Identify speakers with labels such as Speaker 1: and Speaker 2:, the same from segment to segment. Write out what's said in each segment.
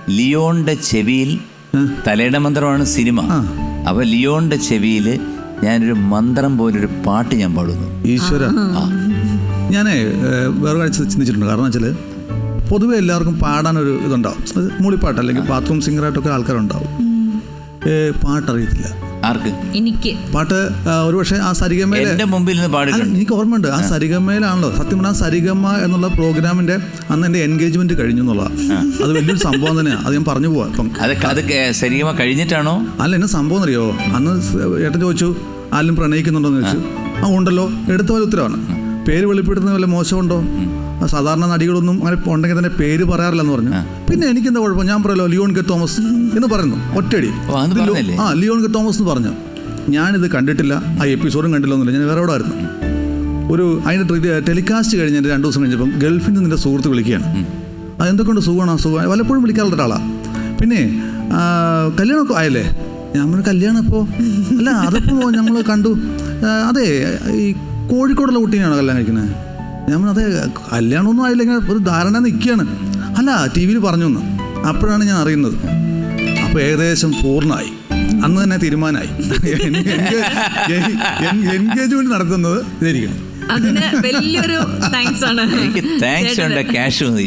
Speaker 1: ലിയോണിന്റെ ചെവിയിൽ, തലയുടെ മന്ത്രമാണ് സിനിമ. അപ്പൊ ലിയോണിന്റെ ചെവിയിൽ ഞാനൊരു മന്ത്രം പോലൊരു പാട്ട് ഞാൻ പാടുന്നു.
Speaker 2: ഈശ്വര, ഞാനേ വേറെ കാഴ്ച ചിന്തിച്ചിട്ടുണ്ട്. കാരണം വെച്ചാൽ പൊതുവെ എല്ലാവർക്കും പാടാനൊരു ഇതുണ്ടാവും. അത് മൂളിപ്പാട്ട് അല്ലെങ്കിൽ ബാത്റൂം സിംഗറായിട്ടൊക്കെ ആൾക്കാരുണ്ടാവും. പാട്ടറിയത്തില്ല
Speaker 1: ആർക്ക്?
Speaker 3: എനിക്ക്
Speaker 2: പാട്ട് ഒരു പക്ഷേ ആ സരിഗമയിലെ
Speaker 1: മുമ്പിൽ നിന്ന് പാടിയിട്ടുണ്ട്.
Speaker 2: എനിക്ക് ഓർമ്മയുണ്ട്. ആ സരിഗമയിലാണല്ലോ സത്യം പറഞ്ഞാൽ സരിഗമ എന്നുള്ള പ്രോഗ്രാമിന്റെ അന്ന് എൻ്റെ എൻഗേജ്മെന്റ് കഴിഞ്ഞു എന്നുള്ളതാണ്. അത് വലിയൊരു സംഭവം തന്നെയാണ്. അത് ഞാൻ പറഞ്ഞു പോവാം. ഇപ്പം
Speaker 1: അത് സരിഗമ കഴിഞ്ഞിട്ടാണോ?
Speaker 2: അല്ല, എന്നെ സംഭവം അറിയോ? അന്ന് ഏട്ടൻ ചോദിച്ചു ആരും പ്രണയിക്കുന്നുണ്ടോന്ന് ചോദിച്ചു. ഉണ്ടല്ലോ, എടുത്ത പോലെ ഉത്തരവാണ്. പേര് വെളിപ്പെടുത്തുന്ന വല്ല മോശമുണ്ടോ? സാധാരണ നടികളൊന്നും അങ്ങനെ ഉണ്ടെങ്കിൽ തന്നെ പേര് പറയാറില്ലെന്ന് പറഞ്ഞു. പിന്നെ എനിക്കെന്താ കുഴപ്പം? ഞാൻ പറയല്ലോ ലിയോൺ കെ തോമസ് എന്ന് പറയുന്നു ഒറ്റയടി. ലിയോൺ കെ തോമസ് എന്ന് പറഞ്ഞു. ഞാനിത് കണ്ടിട്ടില്ല, ആ എപ്പിസോഡും കണ്ടില്ല ഒന്നുമില്ല. ഞാൻ വേറെ എവിടെ ആയിരുന്നു. അതിൻ്റെ ടെലികാസ്റ്റ് കഴിഞ്ഞ് എൻ്റെ 2 ദിവസം കഴിഞ്ഞപ്പം ഗൾഫിൽ നിന്ന് എൻ്റെ സുഹൃത്ത് വിളിക്കുകയാണ്. അതെന്തൊക്കെയുണ്ട്? സുഖമാണ്. വല്ലപ്പോഴും വിളിക്കാറുള്ള ഒരാളാണ്. പിന്നെ കല്യാണമൊക്കെ ആയല്ലേ? ഞാൻ പറഞ്ഞു കല്യാണം ഇപ്പോൾ അല്ല, അതിപ്പോൾ നമ്മൾ കണ്ടു. അതെ, ഈ കോഴിക്കോടുള്ള കുട്ടീനാണോ കല്യാണം കഴിക്കുന്നത്? ഞാൻ പറഞ്ഞു അതെ, കല്യാണമൊന്നും ആയില്ല, ഇങ്ങനെ ഒരു ധാരണ നിൽക്കുകയാണ്. അല്ല, ടി വിയിൽ പറഞ്ഞു എന്ന്. അപ്പോഴാണ് ഞാൻ അറിയുന്നത്. അപ്പോൾ ഏകദേശം പൂർണ്ണമായി. അന്ന് തന്നെ തീരുമാനമായി എൻഗേജ്മെന്റ് നടത്തുന്നത് ഇതായിരിക്കണം.
Speaker 3: അതിന് വലിയൊരു താങ്ക്സ് ആണ്.
Speaker 1: എനിക്ക് താങ്ക്സ് ഉണ്ട്, ക്യാഷ് മതി.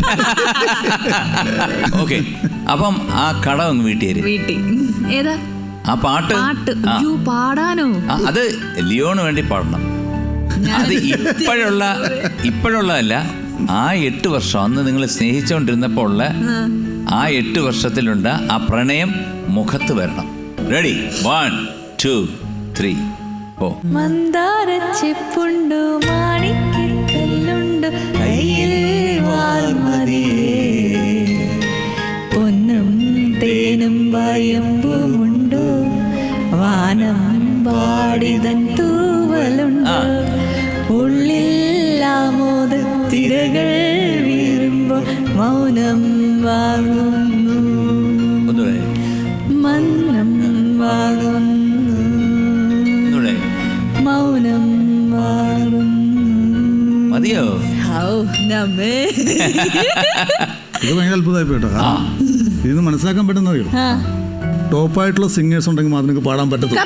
Speaker 1: ഓക്കെ, അപ്പം ആ കട ഒന്ന് വീട്ടിൽ
Speaker 3: ഏതാ
Speaker 1: ആ പാട്ട്
Speaker 3: പാടാനോ?
Speaker 1: അത് ലിയോണ് വേണ്ടി പാടണം. അത് ഇപ്പോഴുള്ളതല്ല. ആ 8 വർഷം അന്ന് നിങ്ങൾ സ്നേഹിച്ചുകൊണ്ടിരുന്നപ്പോൾ ഉള്ള ആ 8 വർഷത്തിലുണ്ട് ആ പ്രണയം മുഖത്ത് വരണം. റെഡി? 1 2 3 4.
Speaker 3: മന്ദാരച്ചെപ്പുണ്ടു മാണിക്കല്ലുണ്ടു കയ്യിൽ പൊന്നും തേനും വയമ്പുമുണ്ടു വാനം പാടിതൻ തൂവലുണ്ടു ഉള്ളിൽ ആമോദത്തിരകൾ വീഴുമ്പോൾ മൗനം വാഴുന്നു മന്നം വാഴുന്നു മൗനം വാഴുന്നു.
Speaker 1: മതിയോ?
Speaker 2: ഇത് ഭയങ്കര അത്ഭുതമായി പോയിട്ടോ. ഇതിന് മനസ്സിലാക്കാൻ പറ്റുന്ന അറിയോ? ടോപ്പായിട്ടുള്ള സിംഗേഴ്സ് ഉണ്ടെങ്കിൽ മാത്രമേ പാടാൻ പറ്റത്തുള്ളൂ.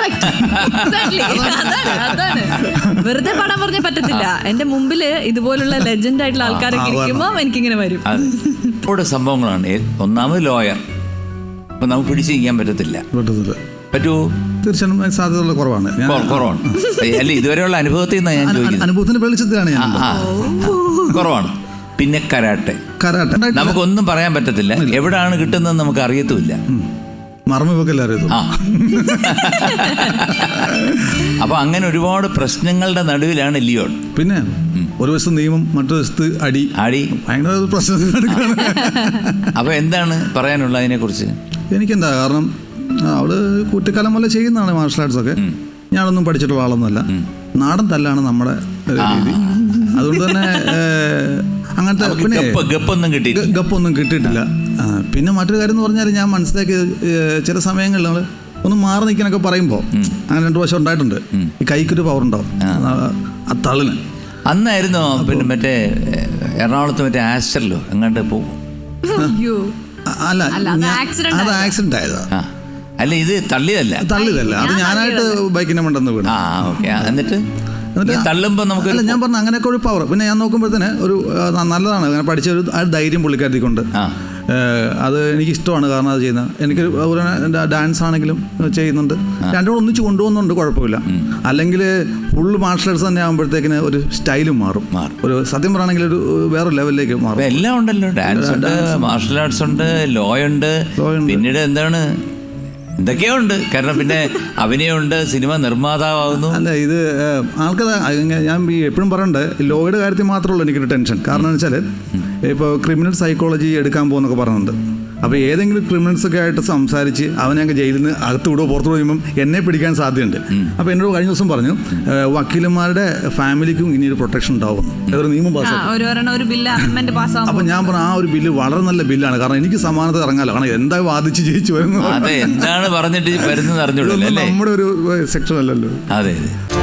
Speaker 3: വെറുതെ പാടാൻ പറഞ്ഞാൽ പറ്റത്തില്ല. എന്റെ മുമ്പില് ഇതുപോലുള്ള ലെജൻഡ് ആയിട്ടുള്ള ആൾക്കാരൊക്കെ ഇരിക്കുമ്പോൾ എനിക്കിങ്ങനെ വരും.
Speaker 1: സംഭവങ്ങളാണ്. ഒന്നാമത് ലോയർ, അപ്പൊ നമുക്ക് പിടിച്ച് ചെയ്യാൻ പറ്റത്തില്ല. പറ്റുമോ?
Speaker 2: തീർച്ചയായും സാധ്യതയുള്ള കുറവാണ്.
Speaker 1: അല്ല, ഇതുവരെയുള്ള അനുഭവത്തിൽ നിന്നാണ് ഞാൻ ചോദിക്കുന്നത്.
Speaker 2: അനുഭവത്തിന്റെ വെളിച്ചത്തിലാണ് ഞാൻ.
Speaker 1: കുറവാണ്. പിന്നെ കരാട്ടെ നമുക്കൊന്നും പറയാൻ പറ്റത്തില്ല. എവിടാണ് കിട്ടുന്നത് നമുക്ക് അറിയത്തുമില്ല.
Speaker 2: മറമുവെക്കെല്ലാം അറിയത്തു.
Speaker 1: അപ്പൊ അങ്ങനെ ഒരുപാട് പ്രശ്നങ്ങളുടെ നടുവിലാണ് ലിയോൺ.
Speaker 2: പിന്നെ ഒരു വശത്ത് നിയമം, മറ്റൊരു വശത്ത് അടി ഭയങ്കര പ്രശ്നത്തിനെടുക്കാണ്.
Speaker 1: അപ്പൊ എന്താണ് പറയാനുള്ള അതിനെ കുറിച്ച്?
Speaker 2: എനിക്കെന്താ, കാരണം അവള് കുട്ടിക്കാലം പോലെ ചെയ്യുന്നതാണ് മാർഷൽ ആർട്സ് ഒക്കെ. ഞാനൊന്നും പഠിച്ചിട്ടുള്ള ആളൊന്നുമല്ല. നാടൻ തല്ലാണ് നമ്മുടെ രീതി. അതുകൊണ്ട് തന്നെ അങ്ങനത്തെ പിന്നെ ഗപ്പൊന്നും കിട്ടിയിട്ടില്ല. പിന്നെ മറ്റൊരു കാര്യം എന്ന് പറഞ്ഞാൽ ഞാൻ മനസ്സിലാക്കിയത് ചില സമയങ്ങളിൽ നമ്മൾ ഒന്ന് മാറി നിൽക്കാനൊക്കെ പറയുമ്പോൾ അങ്ങനെ 2 പ്രാവശ്യം ഉണ്ടായിട്ടുണ്ട്. ഈ കൈക്കൊരു പവർ ഉണ്ടാവും ആ തള്ളിന്.
Speaker 1: അന്നായിരുന്നു പിന്നെ മറ്റേ എറണാകുളത്ത് മറ്റേ ആസ്റ്ററിലോ എങ്ങാണ്ട് പോകും.
Speaker 2: അല്ല, അത് ആക്സിഡന്റ് ആയതാ.
Speaker 1: അല്ല, ഇത് തള്ളിയതല്ല.
Speaker 2: അത് ഞാനായിട്ട് ബൈക്കിനെ മണ്ടെന്ന് വീണു.
Speaker 1: എന്നിട്ട് തള്ളുമ്പോൾ നമുക്ക്
Speaker 2: അല്ല, ഞാൻ പറഞ്ഞ അങ്ങനെയൊക്കെ ഒരു പവർ. പിന്നെ ഞാൻ നോക്കുമ്പോഴത്തേന് ഒരു നല്ലതാണ് അങ്ങനെ പഠിച്ച ഒരു ധൈര്യം പുള്ളിക്കാരത്തിക്കൊണ്ട്. അത് എനിക്കിഷ്ടമാണ്. കാരണം അത് ചെയ്യുന്നത് എനിക്ക് ഡാൻസ് ആണെങ്കിലും ചെയ്യുന്നുണ്ട്. രണ്ടും ഒന്നിച്ച് കൊണ്ടുപോകുന്നുണ്ട്, കുഴപ്പമില്ല. അല്ലെങ്കിൽ ഫുള്ള് മാർഷൽ ആർട്സ് തന്നെ ആകുമ്പോഴത്തേക്കിന് ഒരു സ്റ്റൈലും മാറും. ഒരു സത്യം പറയുകയാണെങ്കിൽ ഒരു വേറെ ലെവലിലേക്ക് മാറും.
Speaker 1: എല്ലാം ഉണ്ടല്ലോ. ഡാൻസ് ഉണ്ട്, മാർഷൽ ആർട്സ് ഉണ്ട്, ലോ ഉണ്ട്, പിന്നീട് എന്താണ് എന്തൊക്കെയോ ഉണ്ട്. കാരണം പിന്നെ അഭിനയമുണ്ട്, സിനിമ നിർമ്മാതാവുന്നു.
Speaker 2: അല്ല, ഇത് ആൾക്കാർ ഞാൻ എപ്പോഴും പറയണ്ടേ, ലോയുടെ കാര്യത്തിൽ മാത്രമല്ല എനിക്കൊരു ടെൻഷൻ. കാരണം എന്ന് വെച്ചാൽ ഇപ്പോൾ ക്രിമിനൽ സൈക്കോളജി എടുക്കാൻ പോകുന്നൊക്കെ പറയുന്നുണ്ട്. അപ്പോൾ ഏതെങ്കിലും ക്രിമിനൽസൊക്കെ ആയിട്ട് സംസാരിച്ച് അവനെ ജയിലിൽ നിന്ന് അകത്ത് വിടുവോ പുറത്തു വിടുമ്പം എന്നെ പിടിക്കാൻ സാധ്യതയുണ്ട്. അപ്പോൾ എന്നോട് കഴിഞ്ഞ ദിവസം പറഞ്ഞു വക്കീലന്മാരുടെ ഫാമിലിക്കും ഇനിയൊരു പ്രൊട്ടക്ഷൻ ഉണ്ടാവും, ഏതൊരു നിയമം പാസ്സാക്കും. അപ്പോൾ ഞാൻ പറഞ്ഞു ആ ഒരു ബില്ല് വളരെ നല്ല ബില്ലാണ്. കാരണം എനിക്ക് സമാനത ഇറങ്ങാലോ. കാരണം എന്താ വാദിച്ച് ജയിച്ചു വരുന്നത്,
Speaker 1: എന്താണ് പറഞ്ഞിട്ട് വരുന്നത് അറിഞ്ഞോളൂ.
Speaker 2: നമ്മുടെ ഒരു സെക്ഷൻ അല്ലല്ലോ.
Speaker 1: അതെ.